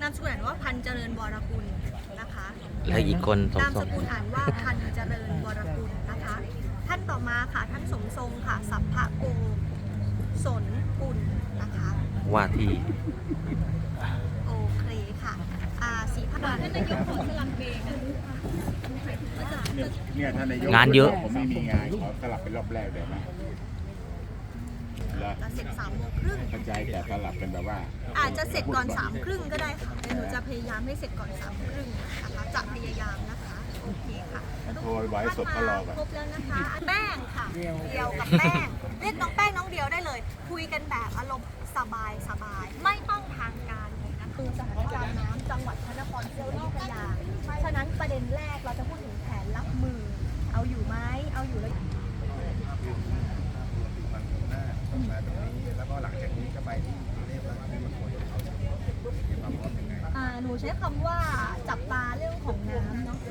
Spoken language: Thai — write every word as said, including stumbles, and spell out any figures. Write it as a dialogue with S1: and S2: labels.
S1: ามสกุลอ่านว่าพันเจริญวรกุลนะคะ
S2: แล้วอีกคนสม
S1: นาม
S2: ท
S1: ส
S2: รง
S1: กุลอ่านว่าพันเจริญวรกุลนะคะ ท่านต่อมาค่ะท่านสมทรงค่ะสัพพะโกสนกุลนะคะ
S2: ว่าที่
S1: โอเคค่ะอ่าสีพันธุ์ท่านนายกของสลับเบง
S3: เนี่ยเนี่ยท่านนายก
S2: งานเยอะ
S3: ผมไม่มีงานขอสลับเป็นรอบแรกได้ไหมแล้ว
S1: จะเสร็จสามโมงครึ่ง
S3: เข้าใจแต่สลับเป็นแบบว่า
S1: อาจจะเสร็จก่อนสามครึ่งก็ได้ค่ะแต่หนูจะพยายามให้เสร็จก่อนสามครึ่งนะคะจะพยายามนะคะโอเคค่ะ
S3: โทรไว้สดก็รอกัน
S1: ครบแล้วนะคะแป้งค่ะเดียวกับแป้งเรียกน้องแป้งน้องเดียวได้เลย คุยกันแบบอารมณ์สบายสบายไม่ต้องทางการเลยนะคือสถานการณ์น้ำจังหวัดพระนครศรีอยุธยาฉะนั้นประเด็นแรกเราจะพูดถึงแผนรับมือ เอาอยู่ไหมเอาอยู่แล้ว
S4: แล้วก็หลังจากนี้จะไปที่กรุงเทพแล้วที่มันควรจะเอามีความพร้อมยังไง
S1: อ่าหนูใช้คำว่าจับตาเรื่องของน้ำเนาะ